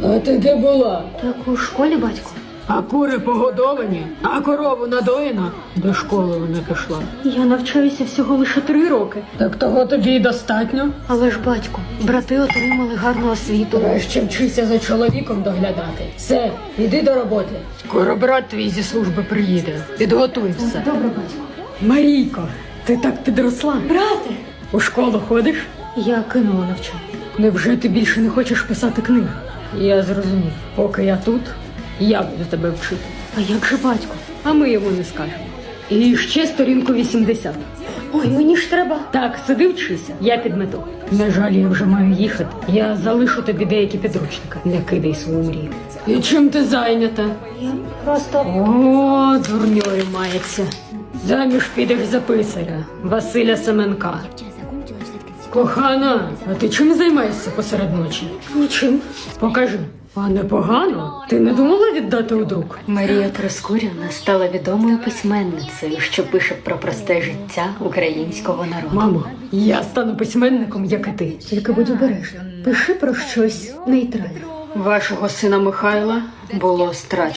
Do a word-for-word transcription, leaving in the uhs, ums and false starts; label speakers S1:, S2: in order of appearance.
S1: А ти де була?
S2: Так у школі, батько.
S1: А кури погодовані, а корову надоїна. До школи вона пішла.
S2: Я навчаюся всього лише три роки.
S1: Так того тобі й достатньо.
S2: Але ж, батько, брати отримали гарну освіту.
S1: Краще вчися за чоловіком доглядати. Все, іди до роботи. Скоро брат твій зі служби приїде. Підготуй все.
S2: Добре, батько.
S1: Марійко, ти так підросла.
S2: Брате!
S1: У школу ходиш?
S2: Я кинула навчання.
S1: Невже ти більше не хочеш писати книг? Я зрозумів. Поки я тут, я буду тебе вчити.
S2: А як же батько?
S1: А ми йому не скажемо. І ще сторінку вісімдесят.
S2: Ой, мені ж треба.
S1: Так, сиди вчися, я підмету. На жаль, я вже маю їхати. Я залишу тобі деякі підручники. Не кидай свою мрію. І чим ти зайнята?
S2: Я просто...
S1: О, дурньою мається. Заміж підеш за писаря Василя Семенка. Кохана, а ти чим займаєшся посеред ночі?
S2: Нічим.
S1: Покажи. А непогано? Ти не думала віддати у друк?
S2: Марія Троскурівна стала відомою письменницею, що пише про просте життя українського народу.
S1: Мамо, я стану письменником, як і ти.
S2: Тільки будь обережна. Пиши про щось нейтральне.
S1: Вашого сина Михайла було страчено.